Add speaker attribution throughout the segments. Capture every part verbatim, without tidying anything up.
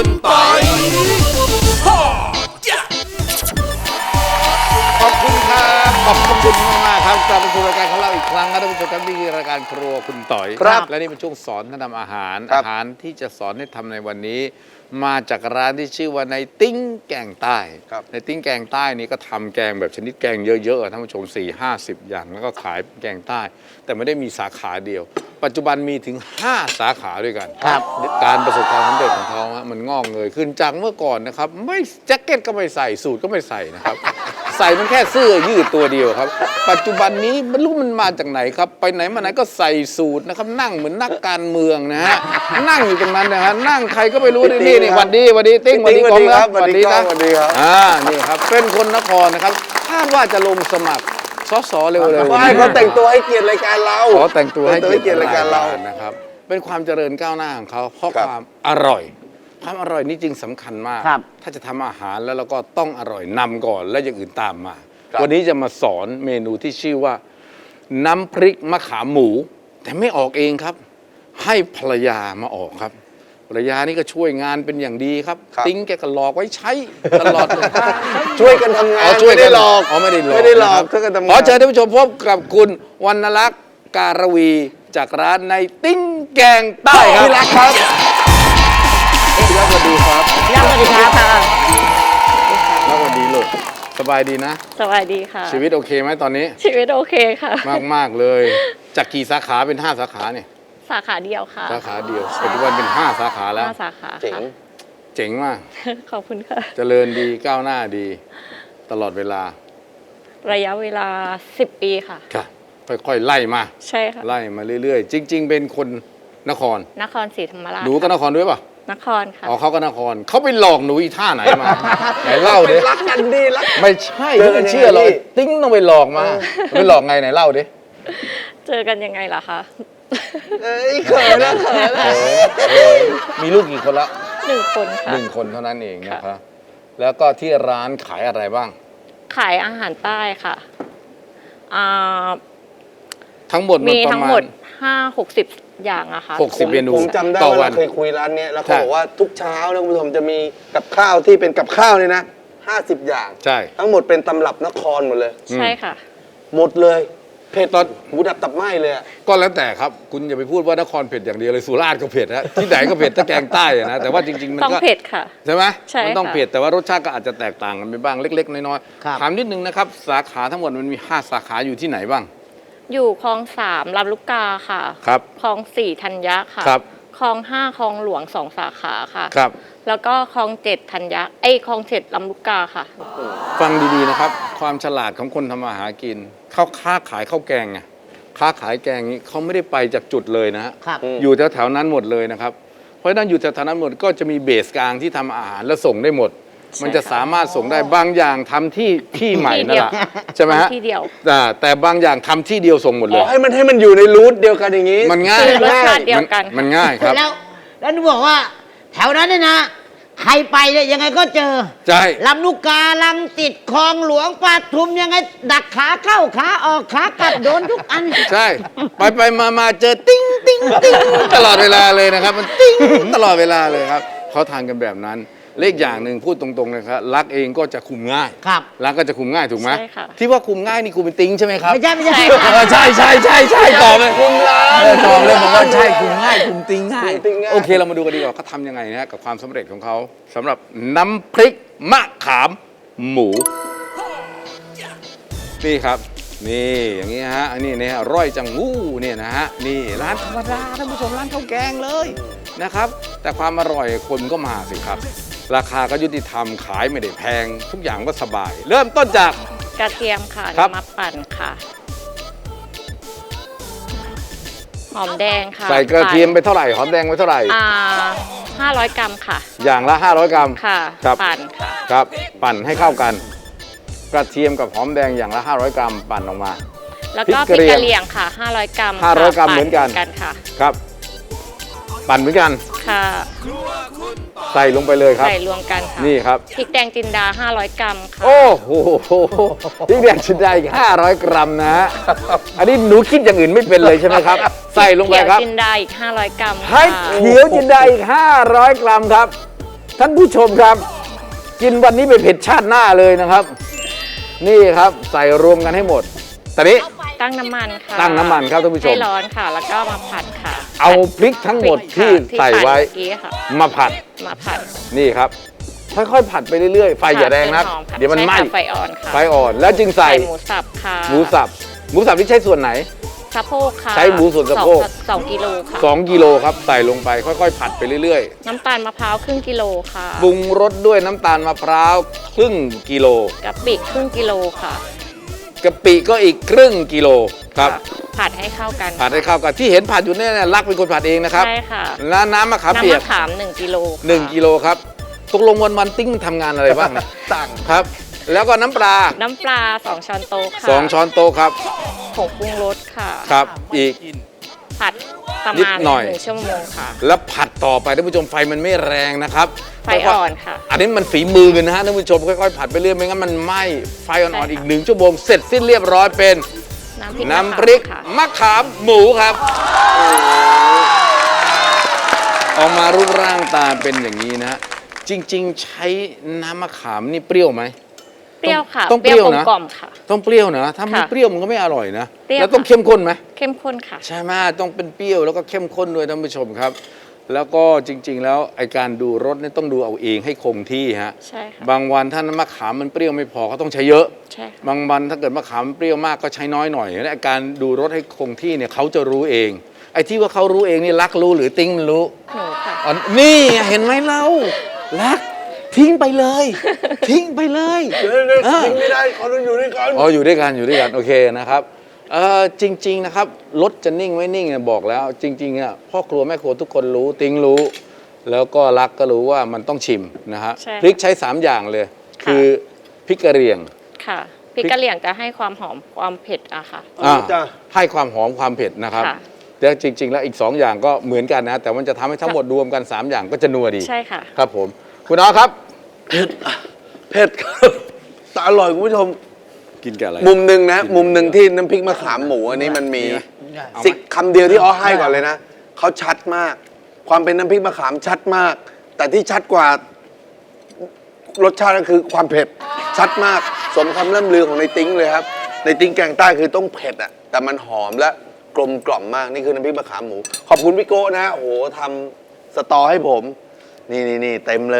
Speaker 1: คุณปอยขอบคุณครับขอบคุณมากๆครับกลับมาสู่รายการของเราอีกครั้งนะท่านผู้ชมครับนี่คือรายการครัวคุณต่อยครับและนี่เป็นช่วงสอนท่านทำอาหารอาหารที่จะสอนให้ทำในวันนี้มาจากร้านที่ชื่อว่าในติ้งแกงใต้ในติ้งแกงใต้นี้ก็ทำแกงแบบชนิดแกงเยอะๆท่านผู้ชมสี่ห้าสิบอย่างแล้วก็ขายแกงใต้แต่ไม่ได้มีสาขาเดียวปัจจุบันมีถึงห้าสาขาด้วยกันการประสบความสำเร็จของเขามันงอกเงยขึ้นจากเมื่อก่อนนะครับไม่แจ็คเก็ตก็ไม่ใส่สูทก็ไม่ใส่นะครับใส่มันแค่เสื้อยืดตัวเดียวครับปัจจุบันนี้ไม่รู้มันมาจากไหนครับไปไหนมาไหนก็ใส่สูทนะครับนั่งเหมือนนักการเมืองนะฮะนั่งอยู่ตรงนั้นนะฮะนั่งใครก็ไม่รู้นี่นี่วันดีวันดีติ้งวันดีกองครับวันดีนะอ่านี่ครับเป็นคนนครนะครับคาดว่าจะลงสมัครสสเร็วๆ
Speaker 2: ไม่เขาแต่งตัวให้เกียรติรายการเรา
Speaker 1: ขอแต่งตัวให้เกียรติ
Speaker 2: รายการเรา
Speaker 1: นะครับเป็นความเจริญก้าวหน้าของเขาเพราะความอร่อยความอร่อยนี่จริงสำคัญมากถ้าจะทำอาหารแล้วเราก็ต้องอร่อยนำก่อนแล้วอย่างอื่นตามมาวันนี้จะมาสอนเมนูที่ชื่อว่าน้ำพริกมะขามหมูแต่ไม่ออกเองครับให้ภรรยามาออกครับภรรยานี่ก็ช่วยงานเป็นอย่างดีครับติ้งแกก็หลอกไว้ใช้ตลอดเลย
Speaker 2: ช่วยกันทำงานไม่ได้หลอก
Speaker 1: อ๋อไม่ได้หลอก
Speaker 2: ไม่ได้หลอกช่วยกันทำงาน
Speaker 1: ขอเชิญท่านผู้ชมพบกับคุณวรรณลักษณ์การวีจากร้านในติ้งแกงใต้ครับพี่รักครับพี่รักสวัสดีครับ
Speaker 3: พี่รักสวัสดีครับค่ะ
Speaker 1: รักสวัสดีลูกสบายดีนะ
Speaker 3: สบายดีค่ะ
Speaker 1: ชีวิตโอเคไหมตอนนี้
Speaker 3: ชีวิตโอเคค่ะ
Speaker 1: มากมากเลยจากกี่สาขาเป็นห้าสาขาเนี่ย
Speaker 3: สาขาเดียวค่ะ
Speaker 1: สาขาเดียวปัจจุบันเป็นห้าสาขาแล้ว
Speaker 3: ห้าสาขา
Speaker 1: เจ๋งเจ๋งมาก
Speaker 3: ขอบคุณค่ะ
Speaker 1: เจริญดีก้าวหน้าดีตลอดเวลา
Speaker 3: ระยะเวลาสิบปีค่ะ
Speaker 1: ค่ะค่อยๆไล่มา
Speaker 3: ใช่ค่ะ
Speaker 1: ไล่มาเรื่อยๆจริงๆเป็นคนนคร
Speaker 3: นครศรีธรรมราช
Speaker 1: หนูก็นครด้วยป่ะ
Speaker 3: นครค่ะ
Speaker 1: อ๋อเขาก็นครเขาไปหลอกหนูอีท่าไหนมาไหนเล่าดิ
Speaker 2: รักกันดีรัก
Speaker 1: ไม่ใช่ไม่เชื่อเลยติ้งต้องไปหลอกมาไปหลอกไงไหนเล่าดิ
Speaker 3: เจอกันยังไงล่ะคะ
Speaker 2: เอ้ยเขินนะเขินนะ
Speaker 1: มีลูกกี่คนละ
Speaker 3: หนึ่งคนค่ะ
Speaker 1: หนึ่งคนเท่านั้นเองนะครับแล้วก็ที่ร้านขายอะไรบ้าง
Speaker 3: ขายอาหารใต้ค่ะ
Speaker 1: ทั้งหมด
Speaker 3: มีทั้งหมดห้าหกสิบอย่างอะค่ะ
Speaker 1: หกสิบเมนู
Speaker 2: ผมจำได้ว่าเคยคุยร้านนี้แล้วเขาบอกว่าทุกเช้านะคุณผู้ชมจะมีกับข้าวที่เป็นกับข้าวเนี่ยนะห้าสิบอย่าง
Speaker 1: ใช่
Speaker 2: ทั้งหมดเป็นตำรับนครหมดเลย
Speaker 3: ใช่ค่ะ
Speaker 2: หมดเลยเผ็ดตอนหูดับตับไหม้เลย
Speaker 1: ก็แล้วแต่ครับคุณอย่าไปพูดว่านครเผ็ดอย่างเดียวเลยสุราษฎร์ก็เผ็ดฮะที่ไหนก็เผ็ดถ้าแกงใต้นะแต่ว่าจริงๆมันก็
Speaker 3: ต้องเผ็ดค่ะ
Speaker 1: ใช่ไหม
Speaker 3: ใช่
Speaker 1: มันต้องเผ็ดแต่ว่ารสชาติก็อาจจะแตกต่างกันไปบ้างเล็กๆน้อยๆถามนิดนึงนะครับสาขาทั้งหมดมันมีห้าสาขาอยู่ที่ไหนบ้าง
Speaker 3: อยู่คลองสามลำลูกกาค่ะ
Speaker 1: ครับ
Speaker 3: คลองสี่ธัญญะค่ะ
Speaker 1: ครับ
Speaker 3: คลองห้าคลองหลวงสองสาขาค่ะ
Speaker 1: ครับ
Speaker 3: แล้วก็คลองเจ็ดธัญญะไอ้คลองเจ็ดลำลูกกาค่ะ
Speaker 1: ฟังดีๆนะครับความฉลาดของคนทำมาหากินเขาค้าขายข้าวแกงไงค้าขายแกงนี้เขาไม่ได้ไปจากจุดเลยนะฮะอยู่แถวๆนั้นหมดเลยนะครับเพราะฉะนั้นอยู่แถวๆนั้นหมดก็จะมีเบสกลางที่ทำอาหารแล้วส่งได้หมดมันจะสามารถส่งได้บางอย่างทำที่ที่ใหม่นั่นแหละใช่ไหมฮะ
Speaker 3: ที่เดียว
Speaker 1: แต่บางอย่างทำที่เดียวส่งหมดเลย
Speaker 2: ให้มันให้มันอยู่ในรูทเดียวกันอย่างนี้
Speaker 1: มันง่าย
Speaker 3: รสชาติเดียวกัน
Speaker 1: มันง่ายครับ
Speaker 4: แล้วแล้วหนูบอกว่าแถวนั้นเนี่ยนะใครไปเนี่ยยังไงก็เจอ
Speaker 1: ใช่
Speaker 4: ลำลูกกาลังติดคลองหลวงปทุมยังไงดักขาเข้าขาออกขากลับโดนทุกอัน
Speaker 1: ใช่ไปไปมามาเจอติ้งติ้งติ้งตลอดเวลาเลยนะครับมันติ้งตลอดเวลาเลยครับเขาทานกันแบบนั้นเลขอย่างหนึ่งพูดตรงๆนะครับรักเองก็จะคุมง่าย
Speaker 4: ครับ
Speaker 1: รักก็จะคุมง่ายถูกไหม
Speaker 3: ใช่ค่ะ
Speaker 1: ที่ว่าคุมง่ายนี่คุมเป็นติ้งใช่ไหมครับ
Speaker 4: ไม่ใช่ไม่ใช่
Speaker 1: ใช่ใช่ใช่ใช่ตอบเลย
Speaker 2: คุมร้าน
Speaker 1: ตอบเลยผมว่าใช่คุมง่ายคุมติ้งง่ายโอเคเรามาดูกันดีกว่าเขาทำยังไงนะกับความสำเร็จของเขาสำหรับน้ำพริกมะขามหมูนี่ครับนี่อย่างนี้ฮะอันนี้เนี่ยร่อยจังงูเนี่ยนะฮะนี่ร้านธรรมดาท่านผู้ชมร้านข้าวแกงเลยนะครับแต่ความอร่อยคนก็มาสิครับราคาก็ยุติธรรมขายไม่ได้แพงทุกอย่างก็สบายเริ่มต้นจาก
Speaker 3: กระเทียมค่ะมาปั่นค่ะหอมแดงค่ะ
Speaker 1: ใส่กระเทียมไปเท่าไหร่หอมแดงไปเท่าไหร่
Speaker 3: อ่าห้าร้อยกรัมค่ะ
Speaker 1: อย่างละห้าร้อยกรัม
Speaker 3: ค่ะ
Speaker 1: ปั่นค่ะครับปั่นให้เข้ากันกระเทียมกับหอมแดงอย่างละห้าร้อยกรัมปั่นออกมา
Speaker 3: แล้วก็พริกกะเหรี่ยงค่ะห้าร้อยกรัม
Speaker 1: ห้าร้อยกรัมเหมือนกัน
Speaker 3: ค่ะ
Speaker 1: ครับปั่นเหมือนกัน
Speaker 3: ค่ะ
Speaker 1: ใส่ลงไปเลยครับ
Speaker 3: ใส่รวมกันค่ะ
Speaker 1: นี่ครับ
Speaker 3: พริกแดงจินดาห้าร้อยกรัมค่ะ
Speaker 1: โอ้โหพริกแดงจินดาอีกห้าร้อยกรัมนะฮะอันนี้หนูคิดอย่างอื่นไม่เป็นเลยใช่ไหมครับใส่ลงไปครับ
Speaker 3: เขียวจินดาอีกห้าร้อยกรัม
Speaker 1: ให้เขียวจินดาอีกห้าร้อยกรัมครับท่านผู้ชมครับ กินวันนี้ไปเผ็ดชาติหน้าเลยนะครับ นี่ครับใส่รวมกันให้หมดตอนนี้
Speaker 3: ตั้งน้ำมันค่ะ
Speaker 1: ตั้งน้ำมันครับท่านผู้ชม
Speaker 3: ให้ร้อนค่ะ แล้วก็มาผัดค่ะ
Speaker 1: เอาพริกทั้งหมดที่
Speaker 3: พริกค่ะ
Speaker 1: ใส่ไว้
Speaker 3: ที่ปั่นเมื่อกี้ค่ะ
Speaker 1: มาผัด
Speaker 3: มาผัด
Speaker 1: นี่ครับค่อยๆผัดไปเรื่อยๆไฟอย่าแรงนัก
Speaker 3: ผัดจนหอค่ะ
Speaker 1: เดี๋ยวมันไหม้
Speaker 3: ใช่ค่ะไฟอ่อนค่ะ
Speaker 1: ไฟอ่อนแล้วจึงใส่
Speaker 3: หมูสับค่ะ
Speaker 1: หมูสับหมูสับที่ใช้ส่วนไหน
Speaker 3: สะโพกค่ะ
Speaker 1: ใช้หมูส่วนสะโพก
Speaker 3: องสองกิโลค่ะ
Speaker 1: สองกิโลครับใส่ลงไปค่อยๆ ผัดไปเรื่อย
Speaker 3: น้ำตาลมะพร้าวครึ่งกิโลค่ะ
Speaker 1: ๆปรุงรสด้วยน้ำตาลมะพร้าวครึ่งกิโล
Speaker 3: กะปิครึ่งกิโลค่ะ
Speaker 1: กะปิก็อีกครึ่งกิโลครับ
Speaker 3: ค่ะผัดให้เข้ากัน
Speaker 1: ผัดให้เข้ากันที่เห็นผัดอยู่เนี่ยรักเป็นคนผัดเองนะครับ
Speaker 3: ใช่ค่ะ
Speaker 1: แล้วน้ำมะขามเปียก
Speaker 3: น้ำมะขามหนึ่งกิโลค่ะ
Speaker 1: หนึ่งกิโลครับตกลงวันวันๆติ้งทำงานอะไรบ้างนะ
Speaker 2: สั่ง
Speaker 1: ครับ แล้วก็น้ำปลา
Speaker 3: น้ำปลาสองช้อนโต๊ะค่ะ
Speaker 1: สองช้อนโต๊ะครับ
Speaker 3: ผงปรุงรสค่ะ
Speaker 1: ครับอีก
Speaker 3: ผัดประ
Speaker 1: นิด
Speaker 3: มาณ
Speaker 1: หน่อย
Speaker 3: หนึ่งชั่วโมงค่ะ
Speaker 1: แล้วผัดต่อไปท่านผู้ชมไฟมันไม่แรงนะครับ
Speaker 3: ไฟอ่อนค่ะ
Speaker 1: อันนี้มันฝีมือกันนะฮะท่านผู้ชมค่อยๆผัดไปเรื่อยไม่งั้นมันไหม้ไฟอ่อน
Speaker 3: ใช่
Speaker 1: ๆ
Speaker 3: ค่ะ
Speaker 1: อีกหนึ่งชั่วโมงเสร็จสิ้นเรียบร้อยเป็น
Speaker 3: น้ำพริก
Speaker 1: น้ำพริก
Speaker 3: ค่ะ
Speaker 1: มะขามหมูครับออกมารูปร่างตาเป็นอย่างนี้นะฮะจริง ๆ ใช้น้ำมะขามนี่เปรี้ยวไหม
Speaker 3: เปรี้ยวค่ะ
Speaker 1: ต้องเปรี้ยวนะ
Speaker 3: กลมๆค่ะ
Speaker 1: ต้องเปรี้ยวนะถ้าไม่
Speaker 3: ค่ะ
Speaker 1: เปรี้ยวมันก็ไม่อร่อยนะ
Speaker 3: เปรี้ยว
Speaker 1: แล้วต้อง
Speaker 3: ค่ะ
Speaker 1: เข้มข้นไหม
Speaker 3: เข้มข้นค่ะ
Speaker 1: ใช่ไหมต้องเป็นเปรี้ยวแล้วก็เข้มข้นด้วยท่านผู้ชมครับ แล้วก็จริง ๆ แล้วไอการดูรสเนี่ยต้องดูเอาเองให้คงที่ฮะ
Speaker 3: ใช่ค่ะ
Speaker 1: บางวันถ้าน้ำมะขามมันเปรี้ยวไม่พอเขาต้องใช้เยอะ
Speaker 3: ใช่ค่ะ
Speaker 1: บางวันถ้าเกิดมะขามเปรี้ยวมากก็ใช้น้อยหน่อยและการดูรสให้คงที่เนี่ยเขาจะรู้เอง ไอ้ที่ว่าเขารู้เองนี่รักรู้หรือติ้งมันรู้
Speaker 3: หนูค่ะ
Speaker 1: อ๋อนี่เห็นไหมเรารักทิ้งไปเลย ทิ้งไปเลย
Speaker 2: เดี๋ยวเดี๋ยวทิ้งไม่ได้เขาต้องอยู่ด้วยกัน
Speaker 1: อ๋ออยู่ด้วยกันอยู่ด้วยกันโอเคนะครับเออจริง ๆนะครับรถจะนิ่งไม่นิ่งเนี่ยบอกแล้ว จริงๆอ่ะพ่อครัวแม่ครัวทุกคนรู้ติ้งรู้ แล้วก็รักก็รู้ว่ามันต้องชิมนะฮะ
Speaker 3: ใช่
Speaker 1: พริกใช้สามอย่างเลย
Speaker 3: ค่ะ
Speaker 1: คือพริกกระเหรี่ยง
Speaker 3: ค่ะพริกกะเหรี่ยงจะให้ความหอมความเผ็ดอะค่ะ
Speaker 2: อ่าจ้ะ
Speaker 1: ให้ความหอมความเผ็ดนะครับ
Speaker 3: ค่ะ
Speaker 1: แต่จริง ๆ แล้วอีก 2 อย่างก็เหมือนกันนะ แต่มันจะทำให้ทั้งหมดรวมกัน 3 อย่างก็จะนัวดี
Speaker 3: ใช่ค่ะ
Speaker 1: ครับผม คุณน้อครับ
Speaker 2: เผ็ดครับแต่อร่อยคุณผู้ชม
Speaker 1: กินกับอะไร
Speaker 2: มุมหนึ่งนะ มุมหนึ่งที่น้ำพริกมะขามหมูอันนี้มันมีสิกคำเดียวที่อ้อให้ก่อนเลยนะเขาชัดมาก ความเป็นน้ำพริกมะขามชัดมาก แต่ที่ชัดกว่ารสชาติก็คือความเผ็ดชัดมาก สมคำล่ำลือของในติ้งเลยครับ ในติ้งแกงใต้คือต้องเผ็ดอ่ะแต่มันหอมและกลมกล่อมมากนี่คือน้ำพริกมะขามหมู ขอบคุณพี่โก้นะโอ้โหทำสตอให้ผม นี่นี่นี่เต็มเลย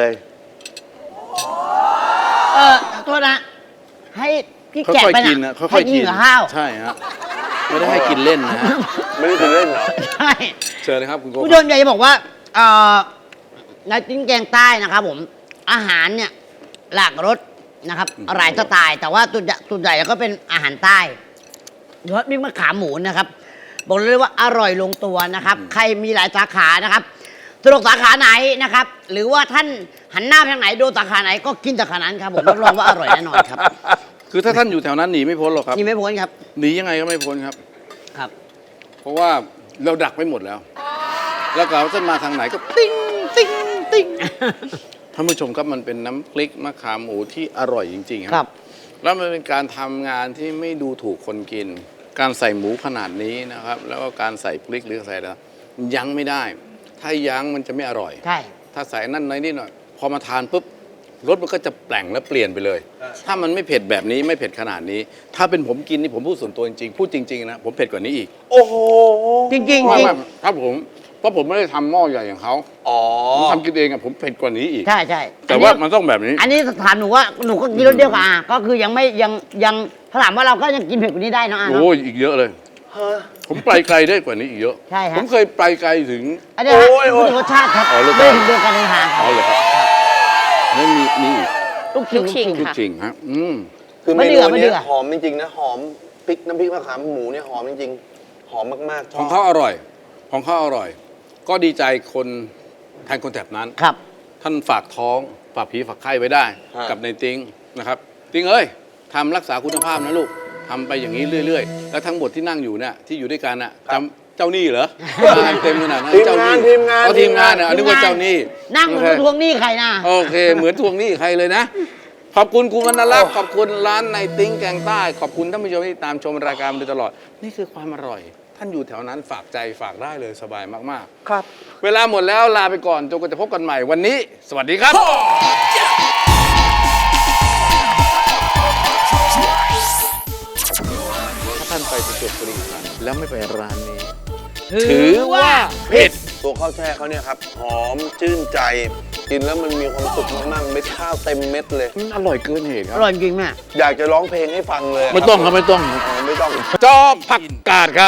Speaker 4: เออโทษนะ ให้พี่
Speaker 5: ค่
Speaker 4: แกะ
Speaker 5: อย
Speaker 4: ไป
Speaker 5: ๆกินนะ
Speaker 4: นะ
Speaker 5: ค่อย
Speaker 4: ให้
Speaker 5: ๆกิน
Speaker 4: กับข้าว
Speaker 5: ใช่ฮะไม่ได้ให้กินเล่นนะฮะ
Speaker 2: ไม่ได้ถึงเล่นเหรอ
Speaker 4: ใช่
Speaker 1: เชิญนะครับคุณโก้
Speaker 4: ผู้ชมอยากจะบอกว่าเอ่อในจิ้งแกงใต้นะครับผมอาหารเนี่ยหลากรสนะครับหลายสไตล์แต่ว่าส่วนใหญ่ส่วนใหญ่ก็เป็นอาหารใต้โดยเฉพาะมีมะขามหมูนะครับบอกเลยว่าอร่อยลงตัวนะครับ ใครมีหลายสาขานะครับสะดวกสาขาไหนนะครับ หรือว่าท่านหันหน้าไปทางไหนโดนสาขาไหนก็กินสาขานั้นครับผมรับรองว่าอร่อยแน่นอนครับ
Speaker 5: คือถ้าท่านอยู่แถวนั้นหนีไม่พ้นหรอกครับ
Speaker 4: นี่ไม่พ้นครับ
Speaker 5: หนียังไงก็ไม่พ้นครับ
Speaker 4: ครับ
Speaker 5: เพราะว่าเราดักไปหมดแล้ว แล้วก็ท่านมาทางไหนก็ติ้งติ้งติ้งท่านผู้ชมครับมันเป็นน้ำพริกมะขามหมูที่อร่อยจริงๆ
Speaker 4: ครับ
Speaker 5: แล้วมันเป็นการทำงานที่ไม่ดูถูกคนกิน การใส่หมูขนาดนี้นะครับ แล้วก็การใส่พริกหรือใส่อะไรยั้งไม่ได้ ถ้ายั้งมันจะไม่อร่อย
Speaker 4: ใช่
Speaker 5: ถ้าใส่นั่นน้อยนิดหน่อยพอมาทานปุ๊บรสมันก็จะแปลงและเปลี่ยนไปเลย ถ้ามันไม่เผ็ดแบบนี้ไม่เผ็ดขนาดนี้ ถ้าเป็นผมกินนี่ผมพูดส่วนตัวจริงๆพูดจริงๆนะผมเผ็ดกว่านี้อีก
Speaker 2: โอ้โห
Speaker 4: จริงๆจริง
Speaker 5: ไม่ไม่ครับผมเพราะผมไม่ได้ทำหม้อใหญ่อย่างเขา
Speaker 2: อ๋อ
Speaker 5: ผมทำกินเองอะผมเผ็ดกว่านี้อีก
Speaker 4: ใช่ใช่
Speaker 5: แต่ว่ามันต้องแบบนี้
Speaker 4: อันนี้ถามหนูว่าหนูก็กินรสเดียวกับอาก็คือยังไม่ยังยังถ้าถามว่าเราก็ยังกินเผ็ดกว่านี้ได้เนอะอาเนอะ
Speaker 5: โอ้ยอีกเยอะเลย ผมไปไกลได้กว่านี้อีกเยอะ
Speaker 4: ใช่ฮะ
Speaker 5: ผมเคยไปไกลถึง
Speaker 4: อันนี้ฮะ
Speaker 2: โอ้ยโอ้ย
Speaker 4: พูดถึงรสชาติครับ
Speaker 5: อ๋อรส
Speaker 4: ไม่
Speaker 5: ชาติ
Speaker 4: ถึงเรื่องการเดินทาง
Speaker 5: อ๋อเลยครับไม่มีมีอีก
Speaker 4: ลูกชิ้น
Speaker 3: ลูกชิ้น
Speaker 5: คือ
Speaker 3: ค่ะ
Speaker 5: จริงฮะอืม
Speaker 2: คือเม
Speaker 4: ไม่เดื
Speaker 2: นู
Speaker 4: อดไม่เดื
Speaker 2: เนี้
Speaker 4: อด
Speaker 2: หอมจริงๆนะหอมพริกน้ำพริกมะขามหมูเนี่ยหอมจริงๆ หอมมากๆช
Speaker 5: ข
Speaker 2: อ
Speaker 5: อง
Speaker 2: บ
Speaker 5: เขาอร่อย ของเขาอร่อย ก็ดีใจคนแทนคนแถบนั้น
Speaker 4: ครับ
Speaker 5: ท่านฝากท้องฝากผีฝากไข้ไว้ได้ กับในติ้งนะครับ ติ้งเอ้ยทำรักษาคุณภาพนะลูกทำไปอย่างนี้เรื่อยๆ แล้วทั้งหมดที่นั่งอยู่เนี่ยที่อยู่ด้วยกันน่ะจำเจ้าหนี้เหรอมาเต็มขนาดนั้น
Speaker 2: ทีม
Speaker 5: เจ้าง
Speaker 2: าน
Speaker 5: หนี้
Speaker 2: ทีมงาน
Speaker 5: เอาทีมงานเนี่ยนึกว่าเจ้าหนี้
Speaker 4: นั่งเหมือน
Speaker 5: โอเค
Speaker 4: ทวงหนี้ใครนะ
Speaker 5: โอเค เหมือนทวงหนี้ใครเลยนะ ขอบคุณคุณวรรณรักษ์ขอบคุณร้านในติ้งแกงใต้ ขอบคุณท่านผู้ชมที่ตามชมรายการมาโดยตลอด นี่คือความอร่อยท่านอยู่แถวนั้นฝากใจฝากได้เลยสบายมากๆ
Speaker 2: ครับ
Speaker 5: เวลาหมดแล้วลาไปก่อนจนกว่าจะพบกันใหม่วันนี้ สวัสดีครับ ถ้าท่านไปประจวบคีรีขันธ์แล้วไม่ไปร้านนี้ ถือว่าผิด
Speaker 2: ตัวข้าวแช่เขาเนี่ยครับ หอมชื่นใจ กินแล้วมันมีความสุขมากๆเม็ดข้าวเต็มเม็ดเลย
Speaker 5: มันอร่อยเกินเหตุค
Speaker 4: อ
Speaker 5: รับ
Speaker 4: ร่อยจริงแม่
Speaker 2: อยากจะร้องเพลงให้ฟังเลย
Speaker 5: ไม่ต้องครับไม่ต้อง
Speaker 2: อ๋อไม่ต้อง
Speaker 5: จอผักกาดครับ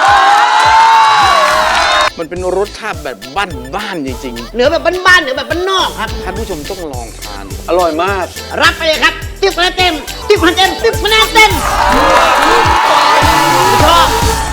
Speaker 5: มันเป็นรสชาติแบบบ้านๆจริง
Speaker 4: เหนือแบบบ้านๆเหนือแบบบ้านนอกครับ
Speaker 5: ๆ ท่านผู้ชมต้องลองทาน
Speaker 2: อร่อยมาก
Speaker 4: รับไปเลยครับติ๊บคะแนนเต็มติ๊บคะแนนเต็มติ๊บคะแนนเต็มชอบ